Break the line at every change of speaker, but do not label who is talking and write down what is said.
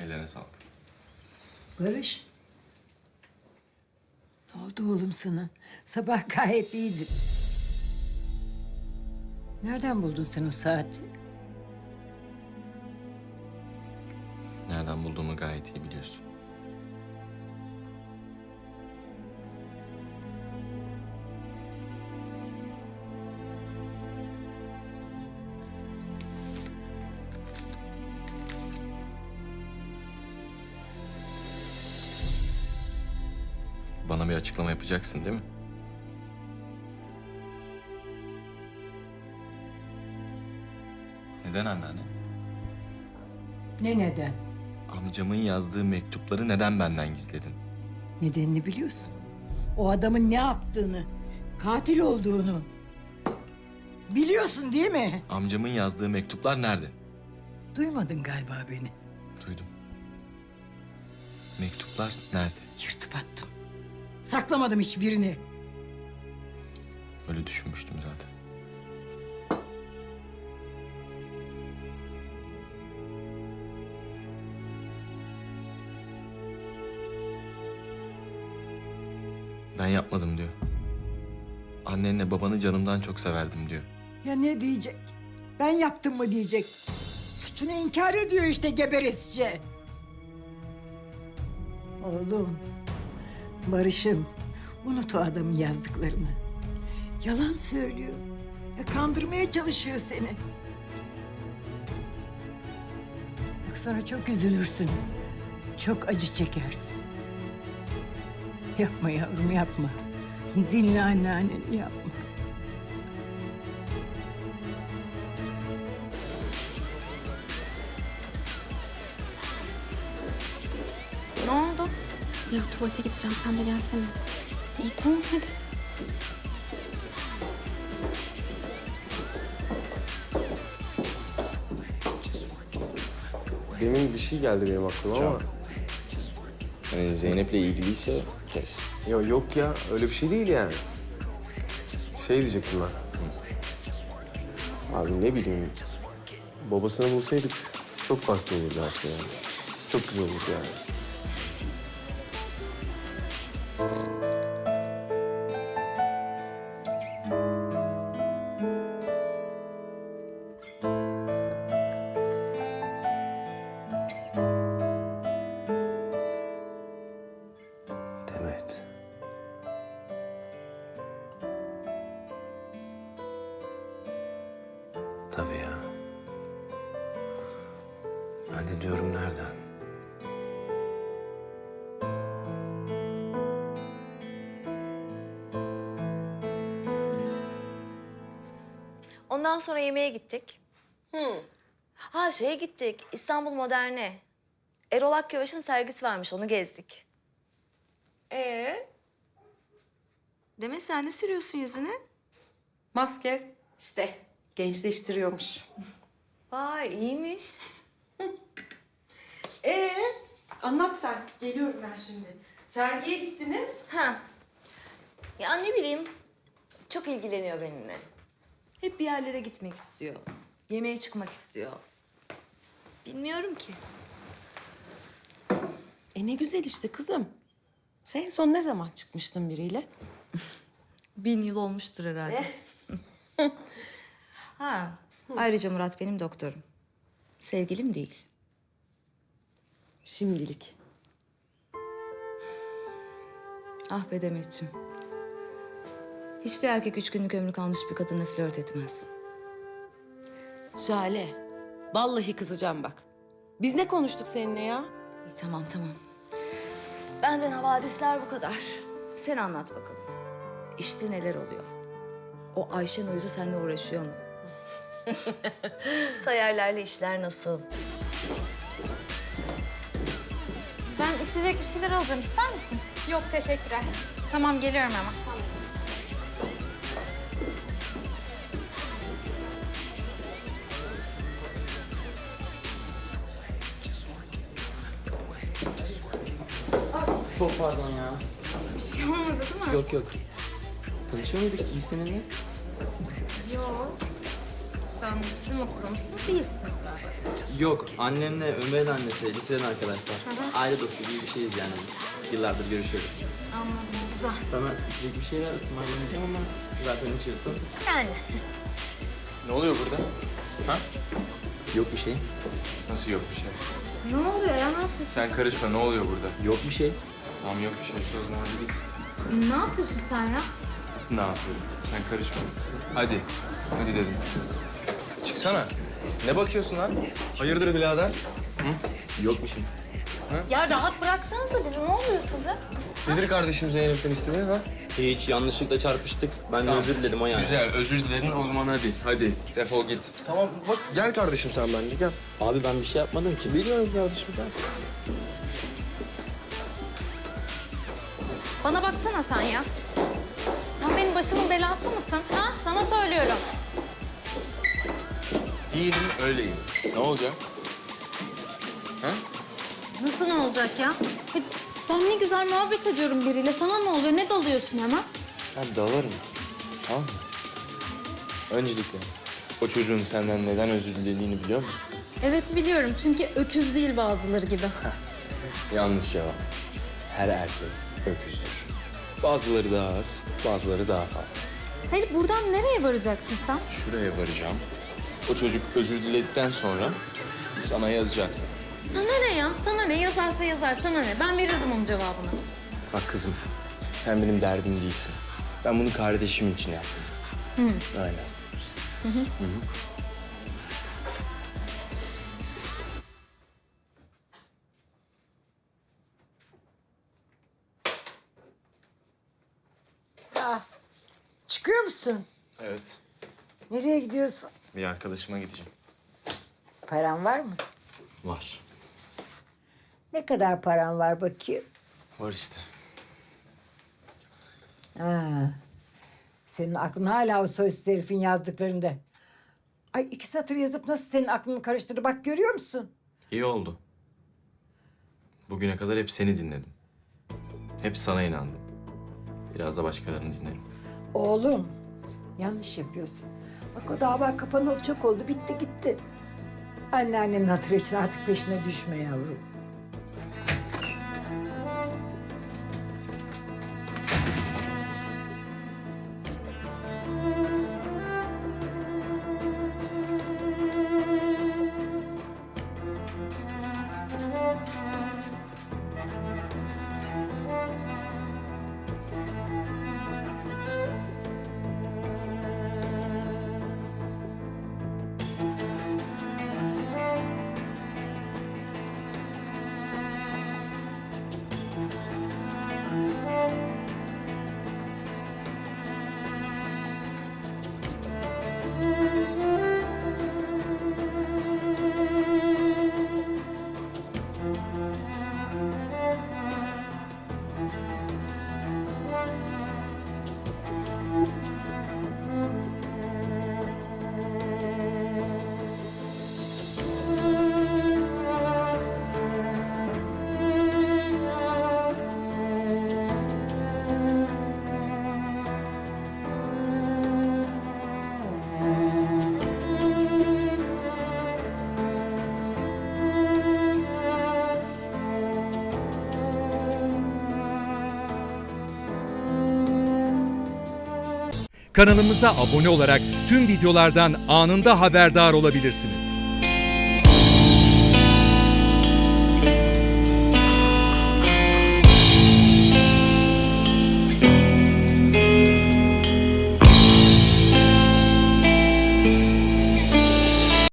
Ellerine sağlık.
Barış. Ne oldu oğlum sana? Sabah gayet iyiydin. Nereden buldun sen o saati?
Nereden bulduğumu gayet iyi biliyorsun. Bana bir açıklama yapacaksın değil mi? Neden anneanne?
Ne neden?
Amcamın yazdığı mektupları neden benden gizledin?
Nedenini biliyorsun. O adamın ne yaptığını, katil olduğunu. Biliyorsun değil mi?
Amcamın yazdığı mektuplar nerede?
Duymadın galiba beni.
Duydum. Mektuplar nerede?
Yırtıp attım. Saklamadım hiçbirini.
Öyle düşünmüştüm zaten. Ben yapmadım diyor. Annenle babanı canımdan çok severdim diyor.
Ya ne diyecek? Ben yaptım mı diyecek. Suçunu inkar ediyor işte geberesçe. Oğlum, Barış'ım, unut o adamın yazdıklarını. Yalan söylüyor. Ya kandırmaya çalışıyor seni. Bak sonra çok üzülürsün. Çok acı çekersin. Yapma yavrum, yapma. Dinle anneanneni, yapma.
Ne oldu?
Ya tuvalete gideceğim, sen de gelsene.
İyi tamam hadi.
Demin bir şey geldi benim aklıma ama...
Yani Zeynep'le ilgiliyse kes.
Ya yok ya, öyle bir şey değil yani. Şey diyecektim ben. Abi ne bileyim, babasını bulsaydık çok farklı olurdu her şey yani. Çok güzel olurdu yani. Demet. Tabii ya. Ben de diyorum nereden?
Ondan sonra yemeğe gittik. Ha şeye gittik, İstanbul Modern'e. Erol Akyavaş'ın sergisi varmış, onu gezdik. Demek sen ne sürüyorsun yüzüne?
Maske işte gençleştiriyormuş.
Vay iyiymiş.
Anlat sen. Geliyorum ben şimdi. Sergiye gittiniz.
Ha. Ya ne bileyim, çok ilgileniyor benimle. Hep bir yerlere gitmek istiyor. Yemeğe çıkmak istiyor. Bilmiyorum ki.
Ne güzel işte kızım. Sen en son ne zaman çıkmıştın biriyle?
1000 yıl olmuştur herhalde. Ha. Ayrıca Murat benim doktorum. Sevgilim değil.
Şimdilik.
Ah be Demetciğim. Hiçbir erkek 3 günlük ömrü kalmış bir kadınla flört etmez.
Jale. Vallahi kızacağım bak. Biz ne konuştuk seninle ya?
İyi, tamam tamam. Benden havadisler bu kadar. Sen anlat bakalım. İşte neler oluyor? O Ayşen Uyuz'u seninle uğraşıyor mu? Sayarlarla işler nasıl?
Ben içecek bir şeyler alacağım, ister misin? Yok, teşekkürler. Tamam, geliyorum hemen.
Çok pardon ya.
Bir şey olmadı değil mi?
Yok yok. Tanışıyor muyduk biz seninle?
Yok. Sen bizim okulda mısın? Değilsin.
Yok, annemle Ömer'in annesi, liseden arkadaşlar. Aile dostu gibi bir şeyiz yani biz. Yıllardır görüşüyoruz.
Anladım. Güzel.
Sana içecek bir şeyler ısmarlamayacağım ama zaten içiyorsun.
Yani.
Ne oluyor burada? Ha?
Yok bir şey.
Nasıl yok bir şey?
Ne oluyor ya? Ne yapıyorsun?
Sen karışma, ne oluyor burada?
Yok bir şey.
Tamam yok bir şeyse o zaman hadi git.
Ne yapıyorsun sen ya?
Nasıl ne yapıyorum? Sen karışma. Hadi. Hadi dedim. Çıksana. Ne bakıyorsun lan? Hayırdır birader?
Yok bir şey.
Ya rahat bıraksanıza bizi. Ne oluyor size?
Nedir kardeşim Zeynep'ten istediğin ha?
Hiç yanlışlıkla çarpıştık. Ben de özür diledim o yani.
Güzel, özür diledin o zaman hadi. Hadi, defol git.
Tamam boş. Gel kardeşim sen benimle gel.
Abi ben bir şey yapmadım ki.
Biliyorum kardeşim gel.
Bana baksana sen ya. Sen benim başımın belası mısın? Ha? Sana söylüyorum.
Değilim, öyleyim. Ne olacak? Ha?
Nasıl ne olacak ya? Ben ne güzel muhabbet ediyorum biriyle. Sana ne oluyor? Ne dalıyorsun hemen?
Ben dalarım. Tamam mı? Öncelikle o çocuğun senden neden özür dilediğini biliyor musun?
Evet biliyorum. Çünkü öküz değil bazıları gibi.
Yanlış cevap. Her erkek öküzdür. Bazıları daha az, bazıları daha fazla.
Hayır buradan nereye varacaksın sen?
Şuraya varacağım. O çocuk özür diledikten sonra sana yazacaktı.
Sana ne ya? Sana ne? Yazarsa yazar. Sana ne? Ben verirdim onun cevabını.
Bak kızım, sen benim derdim değilsin. Ben bunu kardeşim için yaptım. Aynen.
Çıkıyor musun?
Evet.
Nereye gidiyorsun?
Bir arkadaşıma gideceğim.
Paran var mı?
Var.
Ne kadar paran var bakayım?
Var işte.
Ha. Senin aklın hala o soysuz herifin yazdıklarında. Ay 2 satır yazıp nasıl senin aklını karıştırdı bak görüyor musun?
İyi oldu. Bugüne kadar hep seni dinledim. Hep sana inandım. Biraz da başkalarını dinlerim.
Oğlum yanlış yapıyorsun. Bak o dava kapanalı çok oldu bitti gitti. Anneannemin hatırı için artık peşine düşme yavrum.
Kanalımıza abone olarak tüm videolardan anında haberdar olabilirsiniz.